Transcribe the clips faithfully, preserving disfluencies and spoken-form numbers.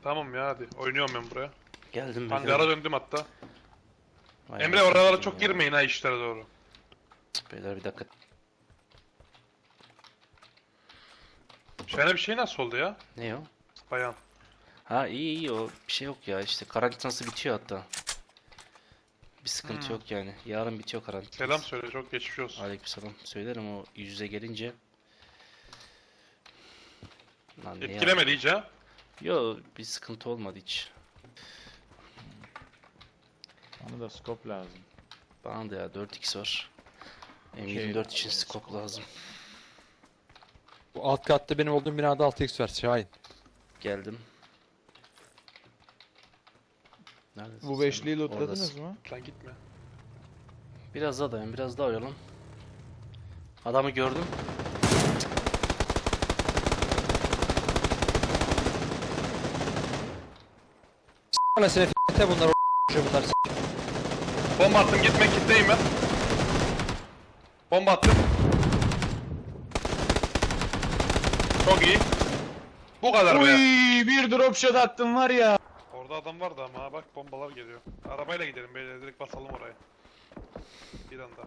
Tamam ya hadi. Oynuyorum ben buraya. Geldim ben. Hangara döndüm hatta. Vay Emre anasını oralara satayım çok ya. girmeyin ha işlere doğru. Beyler bir dakika. Şöyle bir şey nasıl oldu ya? Ne o? Bayan. Ha iyi iyi o bir şey yok ya işte karantinası bitiyor hatta. Bir sıkıntı Hmm. yok yani. Yarın bitiyor karantinası. Selam söyle, çok geçmiş olsun. Aleykümselam. Söylerim o yüz yüze gelince. Lan ne Etkilemedi ya? iyice ha? Yo bir sıkıntı olmadı hiç. Bana da scope lazım. Bana da ya dört x var. M Şey yirmi dört lazım, için scope scope lazım. Bu alt katta benim olduğum binada altı x var Şahin. Geldim. Neredesin Bu sen? beşliği lootladınız Oradasın. mı? Lan gitme. Biraz daha dayan, biraz daha oyalan. Adamı gördüm. Anasını f***te bunlar o bunlar s***. Bomba attım, gitme, kitleyim ben. Bomba attım. Çok iyi. Bu kadar Uy, be. bir drop shot attım var ya. Orada adam vardı ama ha, bak bombalar geliyor. Arabayla gidelim böyle, direkt basalım oraya. Bir anda.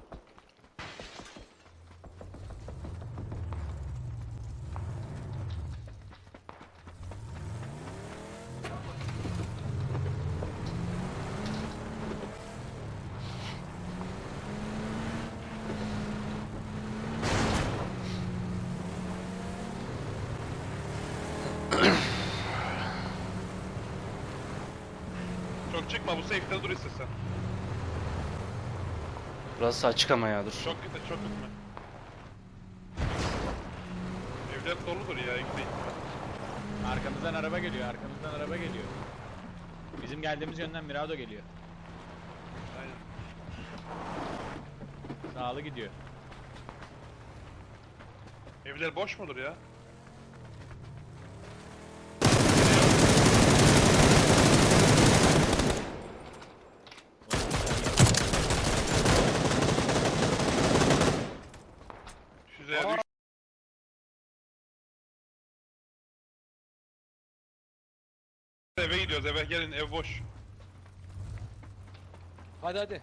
Çok çıkma, bu safe'de dur istesen. Burası açık ama ya dur. Çok gitme, çok gitme. Evler doludur ya, gitmeyin. Arkamızdan araba geliyor, arkamızdan araba geliyor. Bizim geldiğimiz yönden Mirado geliyor. Aynen. Sağlı gidiyor. Evler boş mudur ya? Şuraya düş. Eve gidiyoruz, eve gelin, ev boş. Hadi hadi.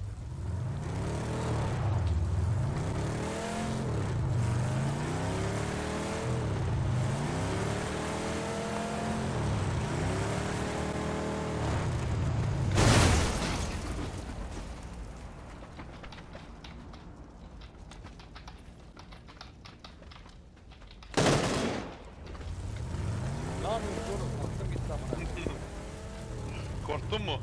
Ne yapıyorsun oğlum? Aklım gitti amına. Korktun mu?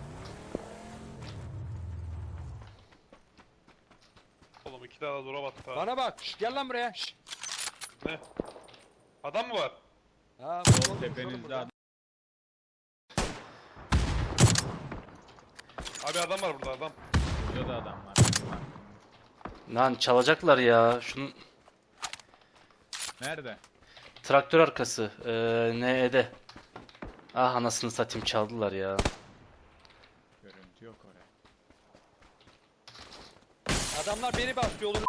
Oğlum iki tane dura battı ha. Bana bak. Şş, gel lan buraya. Şş. Ne? Adam mı var? Ha, Oğlum tepenizde adam. Abi adam var burada, adam. Burada da adam var. Lan çalacaklar ya. Şunun Nerede? traktör arkası. Ee, N'de. Ah anasını satayım çaldılar ya. Görüntü yok oraya. Adamlar beni bastı yolunu.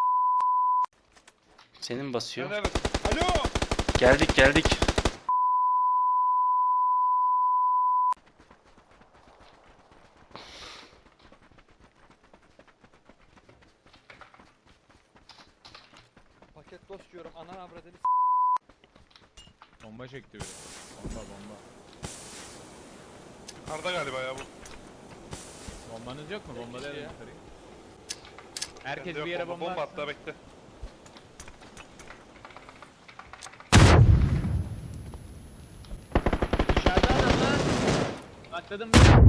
Senin Sen basıyor. neredesin? Alo. Geldik geldik. Paket dost diyorum. Anan avradını s***. Bomba çekti biri. Bomba bomba. Karda galiba ya bu. Bombanız yok mu? Bomba Yok da ya. yukarıyı. Herkes Bende bir yok yere bomba, bomba atsın. attı, bekle. Dışarıda adam lan. Atladım ben.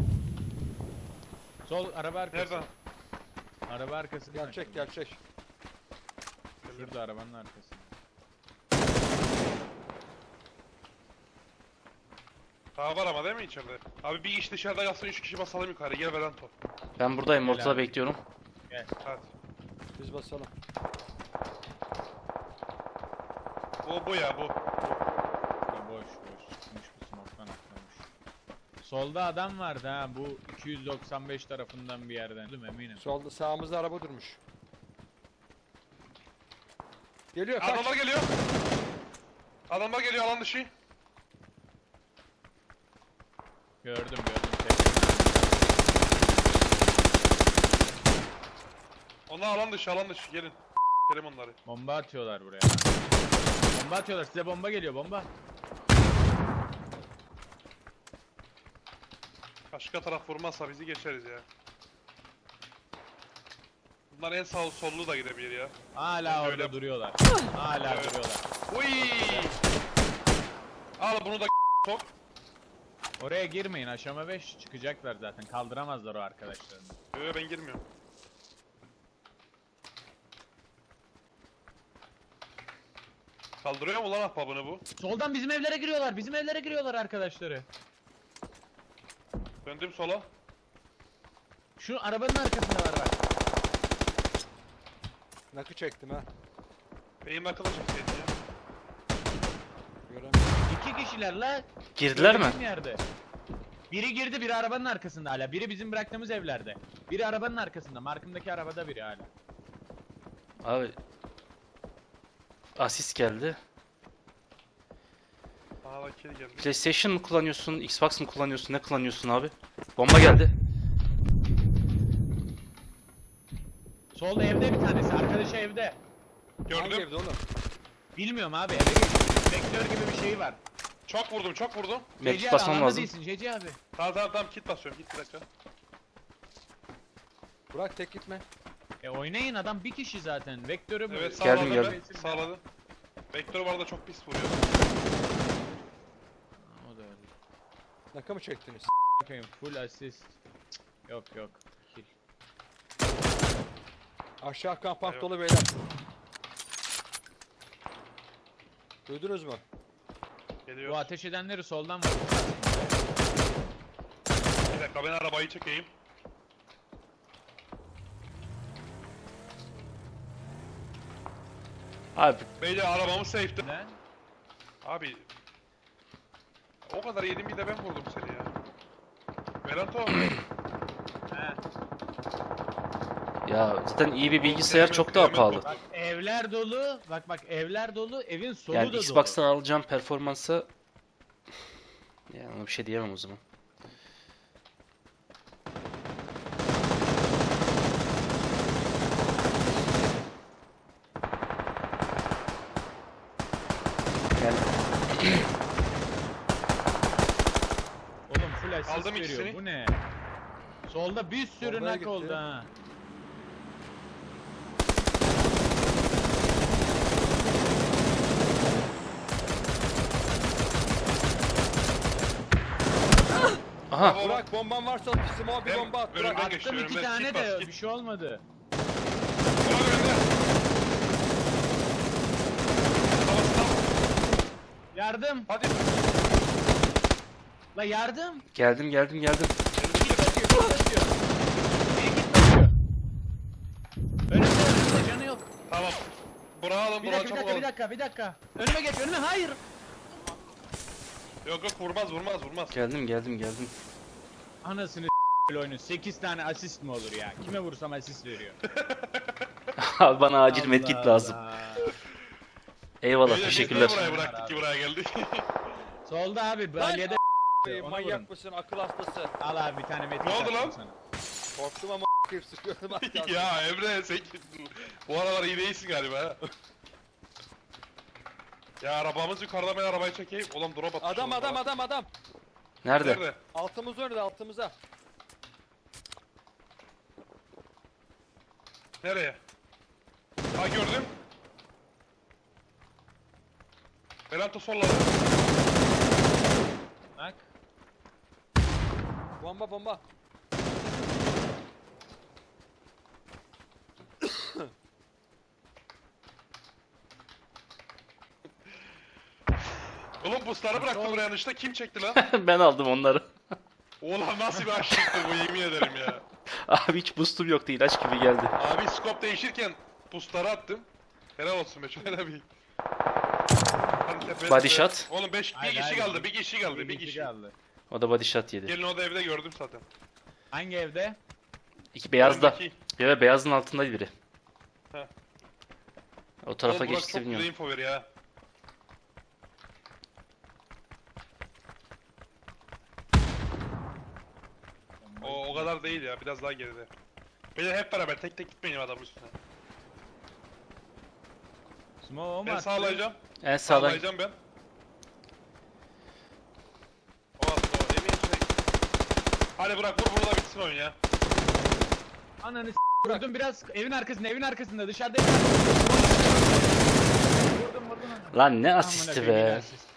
Sol araba arkası. Nereden? Araba arkası. değil mi? Gerçek gerçek. Şurada arabanın arkası. Daha var ama değil mi içeride? Abi bir iş dışarıda kalsın, üç kişi basalım yukarı, gel Velanto. Ben buradayım. Gel Ortada abi. bekliyorum. Hadi. Biz basalım. Bu bu ya bu. Ya boş boş çıkmış bu smoke'tan atlamış. Solda adam vardı ha, bu iki yüz doksan beş tarafından bir yerden. Değil mi? Eminim. Solda sağımızda araba durmuş. Geliyor kaç. Adamlar geliyor. Adamlar geliyor alan dışı. Gördüm gördüm. Tek. Onlar alan dışı alan dışı gelin. Kerim onları. Bomba atıyorlar buraya. Bomba atıyorlar. Size bomba geliyor bomba. Başka taraf vurmazsa bizi geçeriz ya. Bunlar en sağ sollu da gidebilir ya. Hala Bence orada öyle. duruyorlar. Hala Evet. duruyorlar. Uy! Al bunu da sok. Oraya girmeyin. Aşama beş çıkacaklar zaten. Kaldıramazlar o arkadaşlarını. Yo ben girmiyorum. Kaldırıyor mu lan ahbabını bu? Soldan bizim evlere giriyorlar. Bizim evlere giriyorlar arkadaşları. Döndüm sola. Şu arabanın arkasında var bak. Nakı çektim ha. Benim akıllı çekseydin ya. Göremiyorum. İki kişiler la. Girdiler mi? Söylediğim Yerde. Biri girdi, biri arabanın arkasında hala. Biri bizim bıraktığımız evlerde. Biri arabanın arkasında. Markımdaki arabada biri hala. Abi. Asist geldi. Bana da kill geldi. PlayStation mı kullanıyorsun? Xbox mı kullanıyorsun? Ne kullanıyorsun abi? Bomba geldi. Solda evde bir tanesi. Arkadaşı evde. Hangi Gördüm. evde oğlum? Bilmiyorum abi eve geçti. Vektör gibi bir şey var. Çok vurdum çok vurdum. Mektup Ceci abi basmam alanda lazım. değilsin Ceci abi. Tamam tamam tamam kit basıyorum git bir dakika. Burak tek gitme. E oynayın adam bir kişi zaten. Vektörü bu. Evet Geldim, sağladım geldim. ben. Sağladım. Vektör bu arada çok pis vuruyor. O da öyle. Nakı mı çektiniz? Bakayım full assist. Cık, Yok yok. Kill. Aşağı kampak Evet. dolu beyler. Duydunuz mu? Geliyor. Bu ateş edenleri soldan vurdu. Bir dakika ben arabayı çekeyim. Abi Beyler arabamı safe'de. Ne? Abi. O kadar yedim bir de ben vurdum seni ya. Beranto. He. ya zaten iyi bir bilgisayar çok daha pahalı. Bak evler dolu. Bak bak evler dolu. Evin solu Yani da Xbox'tan dolu. alacağım performansa yani ona bir şey diyemem o zaman. Yani Oğlum full assist Aldım veriyor. ikisini. Bu ne? Solda bir sürü Bombaya nak gitti. oldu ha. aha Bravo. Burak bomban varsa smoke bir Ben bomba at. önümden Burak. geçti. Attım iki önümden tane kit de bas, kit. bir şey olmadı. Ulan önümde. Tamam tamam. Yardım. Hadi. La yardım. geldim geldim geldim. Git basıyor, git basıyor. Biri git basıyor. Önümde önümde canı yok. Tamam. Burak'ı alın Bir Burak'ı dakika, bir çabuk dakika, alın. bir dakika, bir dakika. Önüme geç, önüme. Hayır. Yok yok vurmaz vurmaz vurmaz. Geldim geldim geldim. Anasını s*** oyunu. sekiz tane asist mi olur ya? Kime vursam asist veriyor. Abi bana acil Allah medkit lazım. Allah. Eyvallah Beyler, biz teşekkürler. niye buraya bıraktık ki buraya geldik. Solda abi, balyede Ey, ona manyak vurun. mısın? Akıl hastası. Al abi bir tane medkit Ne oldu attım lan? sana. Korktum ama sıkıyordum az kalsın. ya Emre sen bu aralar iyi değilsin galiba ha. Ya arabamız yukarıda ben arabayı çekeyim. Ulan drop atmış. Adam oğlum adam bana. adam adam. Nerede? Nerede? Altımız önünde altımıza. Nereye? Ha gördüm. Beranto solladı. Bak. Bomba bomba. Oğlum busları bıraktı buraya yanlışta. Kim çekti lan? Ben aldım onları. Oğlum nasıl bir aşıktır bu yemin ederim ya. Abi hiç boostum yoktu ilaç gibi geldi. Abi scope değişirken busları attım. Helal olsun be şöyle bir. Hadi tepeye Body tepeye. shot. Oğlum beş, bir Hayır, kişi hayır. kaldı, bir kişi kaldı, bir Bir kişi. kaldı. O da body shot yedi. Gelin o da evde gördüm zaten. Hangi evde? İki beyazda. Öndeki. Ya beyazın altındaydı biri. Heh. O tarafa Oğlum Burak geçti çok güzel bilmiyorum. info veriyor ha. O, o kadar değil ya, biraz daha geride. Beyler hep beraber tek tek gitmeyin adamın üstüne. Smoke o mu Ben attı? sağlayacağım. En sağdan. Sağlayacağım ben. O attı o. Emin şey. Hadi bırak vur burada bitsin oyun ya. Ananı s*** vurdum biraz evin arkasında evin arkasında dışarıda evin arkasında. Vurdum vurdum. Lan ne Amına asisti koyayım, yine be. asist.